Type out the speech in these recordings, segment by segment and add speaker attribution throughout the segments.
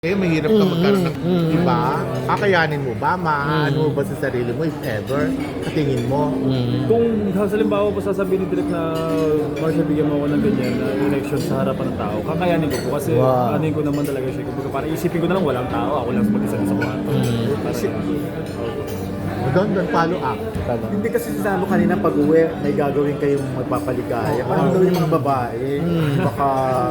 Speaker 1: Mahirap ka magkaroon ng, di ba? Kakayanin mo ba? Maano mo ba sa sarili mo if ever? Sa tingin mo?
Speaker 2: Kung halimbawa po sasabihin ni Direk na Marcia, bigyan mo ako ng ganyan na election sa harapan ng tao, kakayanin ko po kasi anin ko naman talaga siya. Kumbaga parang isipin ko na lang walang tao, ako lang mag-isa sa kwarto.
Speaker 1: Doon, follow up.
Speaker 3: Hindi kasi sinabi kanina pag-uwi, may gagawin kayong magpapaligaya. Parang daw yung mga babae, baka...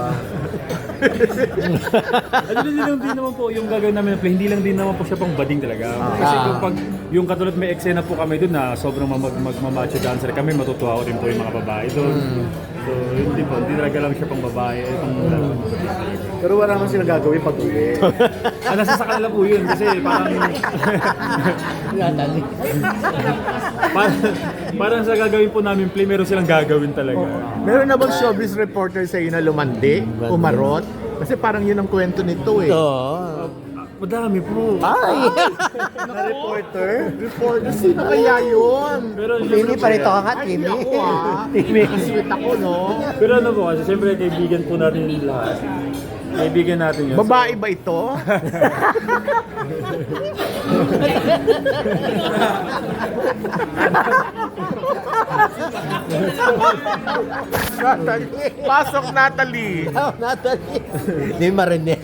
Speaker 2: Hindi naman po yung gagawin namin na play, hindi lang din naman po siya pang bading talaga. Kasi pag yung katulad may eksena po kami doon na sobrang magmamacho dancer kami, matutuwa ko rin po yung mga babae doon. So hindi po, hindi talaga lang siya pang babae.
Speaker 3: Pero wala naman sila gagawin pag-uwi.
Speaker 2: Nasa sa kanila po yun kasi parang... parang sa gagawin po namin play, meron silang gagawin talaga.
Speaker 1: Meron na bang showbiz reporter sa'yo na lumandi? Umarot? Kasi parang yun ang kwento nito eh.
Speaker 2: Madami po.
Speaker 3: Na reporter?
Speaker 1: Reporter, sino kaya yun?
Speaker 2: Pero
Speaker 4: Timmy, parito ka nga,
Speaker 1: Ay,
Speaker 4: Timmy.
Speaker 1: ako Sweet ako, no?
Speaker 2: Pero ano po kasi siyempre kaibigan po natin yung lahat. Kaibigan natin yun.
Speaker 1: Babae ba ito? Natalie. Pasok, Natalie.
Speaker 4: Natalie. Hindi marinig.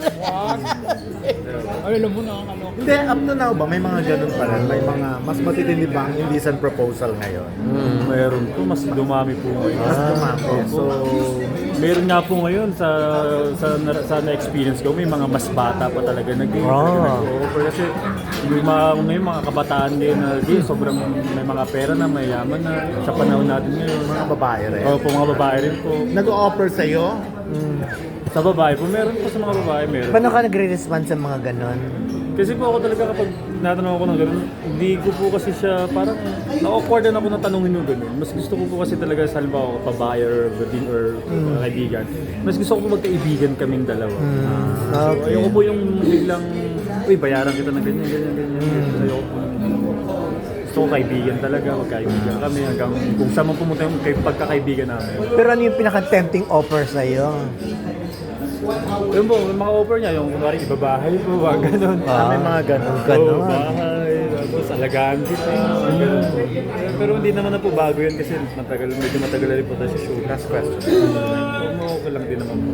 Speaker 3: Hindi, up to now ba? May mga ganun pa rin. May mga mas matitindi ba ang indecent proposal ngayon?
Speaker 2: Meron po, mas dumami po ngayon.
Speaker 3: Mas dumami. So,
Speaker 2: Meron nga po ngayon sa na-experience ko, may mga mas bata pa talaga nag-offer kasi may mga kabataan din na sobrang may mga pera na, mayaman na sa panahon natin ngayon.
Speaker 3: mga babae rin.
Speaker 2: Po, mga babae rin po.
Speaker 1: Nag-o-offer sa'yo?
Speaker 2: Sa babae po, meron po sa mga babae, meron.
Speaker 4: Paano ka nagre-respond sa mga ganon?
Speaker 2: Kasi po ako talaga kapag natanong ako ng gano'n, hindi ko po kasi siya parang na-awkward na ako na tanongin yung gano'n. Mas gusto ko po kasi talaga sa halimbawa babae or bading or kaibigan. Mas gusto ko po magkaibigan kaming dalawa. So, ayoko po yung biglang, uy, bayaran kita ng ganyan. Ayoko po. Gusto ko kaibigan talaga, magkaibigan kami hanggang kung saan man pumunta yung pagkakaibigan namin.
Speaker 4: Pero ano yung pinaka-tempting offer sa'yo?
Speaker 2: Yun po, may mga offer niya, yung kunwari ibabahay po, gano'n.
Speaker 3: May mga ganun.
Speaker 2: Oo, bahay, tapos alagaan kita, gano'n po. Pero hindi naman na po bago yun kasi medyo matagal na rin po tayo sa show.
Speaker 3: Last question.
Speaker 2: Okay lang din naman po.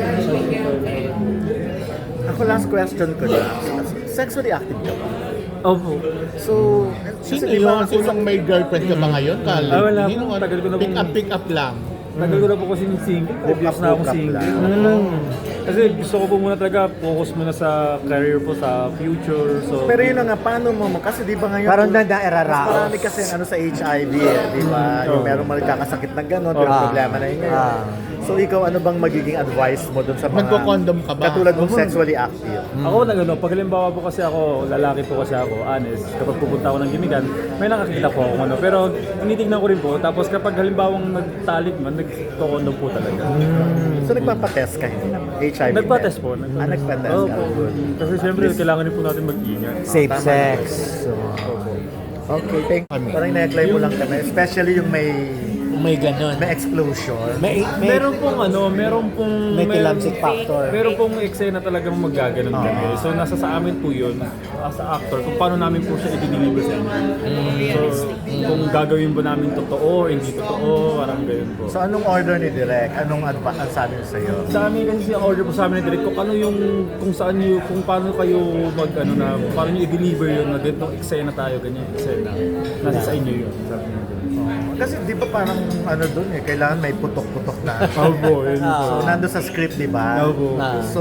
Speaker 3: Ako last question ko na. Sexually active ka ba?
Speaker 2: Opo.
Speaker 3: So,
Speaker 1: Sino yun? Sinong may girlfriend ka ba ngayon? Kali?
Speaker 2: Wala po. Tagal ko na po.
Speaker 1: Pick up lang.
Speaker 2: Tagal ko na po kasi single. Obvious na akong single. Kasi gusto ko po muna talaga focus muna sa career po, sa future. So,
Speaker 3: pero yun na nga, paano mo? Kasi di ba ngayon,
Speaker 4: Parang
Speaker 3: mas
Speaker 4: nanda-eraraos.
Speaker 3: marami kasi ano sa HIV di ba? Yung merong magkakasakit ng gano'n, pero problema na yun ngayon. So ikaw, ano bang magiging advice mo dun sa mga...
Speaker 1: Nagko-condom ka ba?
Speaker 3: Katulad mong sexually active.
Speaker 2: ako pag halimbawa po kasi ako, lalaki po kasi ako, honest, kapag pupunta ako ng gimigan, may nakakita po ako pero tinitignan ko rin po, tapos kapag halimbawang nagtalik man, nagko-condom po talaga.
Speaker 3: So nagpapatest ka hindi naman? HIV
Speaker 2: Nagpa-test po.
Speaker 3: nagpa-test
Speaker 2: Oo
Speaker 3: ka.
Speaker 2: po. Kasi siyempre, kailangan din po natin mag-ingat.
Speaker 4: Safe sex.
Speaker 3: Okay, thank you. Parang na-apply mo lang kami, especially yung may
Speaker 4: Ganon.
Speaker 3: explosion.
Speaker 2: Meron pong
Speaker 4: May kilamsik factor.
Speaker 2: Meron pong eksena talagang magaganon kami. So nasa sa amin po 'yun as a actor kung paano namin po siya i-deliver sa inyo. So kung gagawin ba namin totoo, hindi totoo, parang ganoon po.
Speaker 3: So anong order ni Direk? Anong advice ang sabi niya sa'yo?
Speaker 2: Sa amin kasi ang order po sa amin ni Direk kung ano yung kung saan niyo kung paano kayo paano niyo i-deliver yun na ganitong eksena tayo, ganyan eksena. Nasa sa inyo 'yun. Sabi niya.
Speaker 3: Kasi di ba parang ano dun kailangan may putok-putok na.
Speaker 2: Opo, yun po.
Speaker 3: So nando sa script, di ba?
Speaker 2: Opo.
Speaker 3: So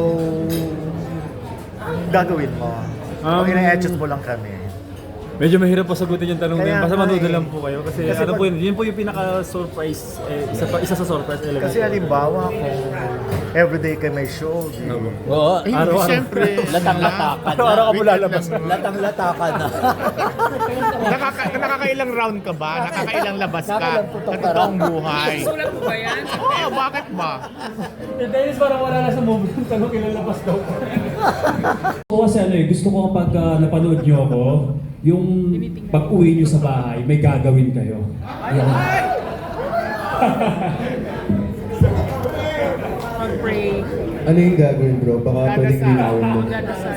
Speaker 3: gagawin mo. O ina-adjust mo lang kami.
Speaker 2: Medyo mahirap pa sagutin yung tanong na yun.
Speaker 3: Kaya
Speaker 2: Basta
Speaker 3: nga
Speaker 2: manood
Speaker 3: eh.
Speaker 2: na lang po kayo. Kasi,
Speaker 3: Kasi
Speaker 2: ano
Speaker 3: pag-
Speaker 2: po yun po yung pinaka-surprise, isa sa surprise element.
Speaker 3: Kasi halimbawa kung everyday ka may show, di,
Speaker 4: Oo.
Speaker 1: Ay,
Speaker 2: Araw-araw.
Speaker 1: siyempre.
Speaker 4: Latang-lata ka na.
Speaker 2: Araw-araw ka mo lalabas.
Speaker 4: Latang-lata ka na.
Speaker 1: Nakakailang round ka ba? Nakakailang labas ka?
Speaker 4: Nakakailang putok
Speaker 1: Sa
Speaker 4: ka
Speaker 1: totoong buhay?
Speaker 5: Sulat mo ba yan?
Speaker 1: Oo, bakit ba?
Speaker 2: Dennis, parang wala na sa movie yung tanong kinalabas daw.
Speaker 6: Ako kasi gusto ko kapag napanood nyo ako, yung pag-uwi nyo sa bahay, may gagawin kayo. Ayan.
Speaker 5: Mag-pray. Ano yung gagawin bro? Baka pwedeng linawin mo.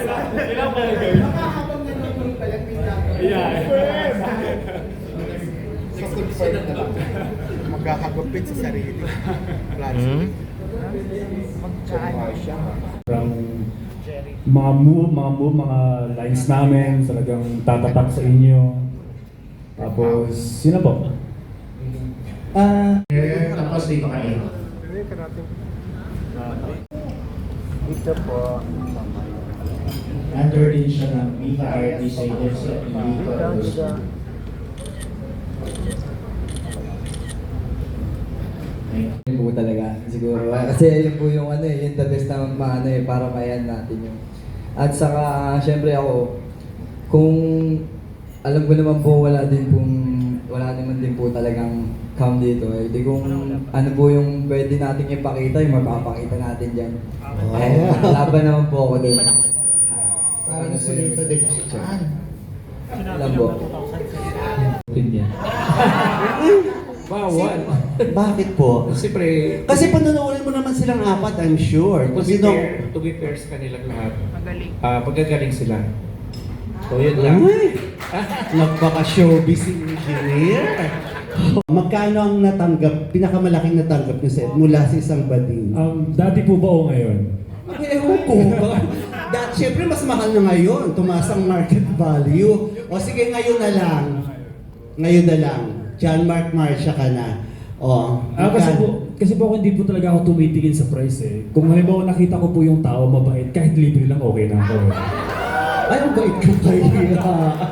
Speaker 1: So, confirm na lang. Magkakagupit sa sarili.
Speaker 6: Parang mga lines namin talagang tatatak sa inyo. Tapos, yun na po.
Speaker 5: Tapos dito kayo.
Speaker 3: Ito po.
Speaker 5: Under din siya ng Viva Artist Agency at Viva Artist.
Speaker 7: Yun po talaga, siguro. Kasi yun po yung ano eh, yung the best na maano eh, para mayan natin yung. At saka, syempre ako, kung alam ko naman po wala naman din po talagang cam dito eh. Di kung ano po yung pwede natin ipakita, yung mapapakita natin dyan. Eh, laban naman po ako dun.
Speaker 5: Parang salita din si Chan.
Speaker 7: Alam po.
Speaker 8: Bawal.
Speaker 5: Bakit po?
Speaker 8: Siyempre,
Speaker 5: Kasi panonoodin mo naman silang apat, I'm sure.
Speaker 8: to be fair, sa kanilang lahat, pagkagaling sila. So yun lang.
Speaker 5: Ay! Nagpaka-showbiz engineer. Magkano ang natanggap, pinakamalaking natanggap niyo sa mula sa isang bading?
Speaker 6: Dati po ba o ngayon?
Speaker 5: Ay, ewan ko. Siyempre, mas mahal na ngayon. Tumaas ang market value. O sige, ngayon na lang. Ngayon na lang. John Mark Marcia ka na. O,
Speaker 6: Kasi po hindi po talaga ako tumitingin sa price eh. Kung halimbawa nakita ko po yung tao mabait, kahit libre lang okay na ako.
Speaker 5: ay, ang bait ko kaya.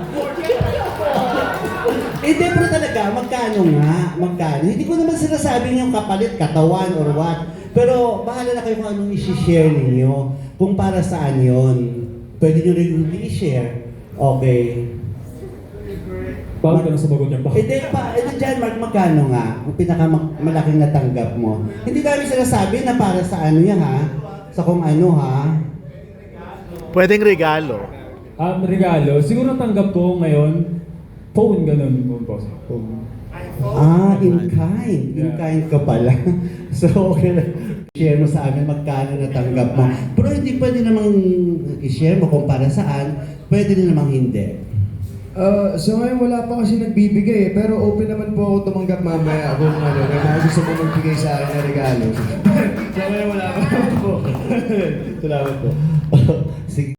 Speaker 5: Hindi, pero talaga, magkano nga? Magkano? Hindi ko naman sinasabing yung kapalit, katawan, or what. Pero bahala na kayo kung anong isi-share ninyo. Kung para saan yon. Pwede nyo rin hindi i-share. Okay.
Speaker 6: Paano ka na sumagot niya pa?
Speaker 5: Hindi dyan, Mark, magkano nga? Ang pinakamalaking natanggap mo. Hindi kami sinasabi na para sa ano yan, ha? Sa kung ano, ha?
Speaker 1: Pwedeng regalo.
Speaker 6: Regalo, siguro natanggap ko ngayon, phone ganun po. Phone.
Speaker 5: In kind. In kind ka pala. So, okay. Share mo sa amin magkano natanggap mo. Pero hindi pwede namang i-share mo kung para saan. Pwede din namang hindi.
Speaker 9: So ngayon wala pa kasi nagbibigay pero open naman po ako tumanggap mamaya kung ano, may mga gusto mo magbigay sa akin na regalo. So ngayon wala pa po.
Speaker 5: Salamat po. Sige.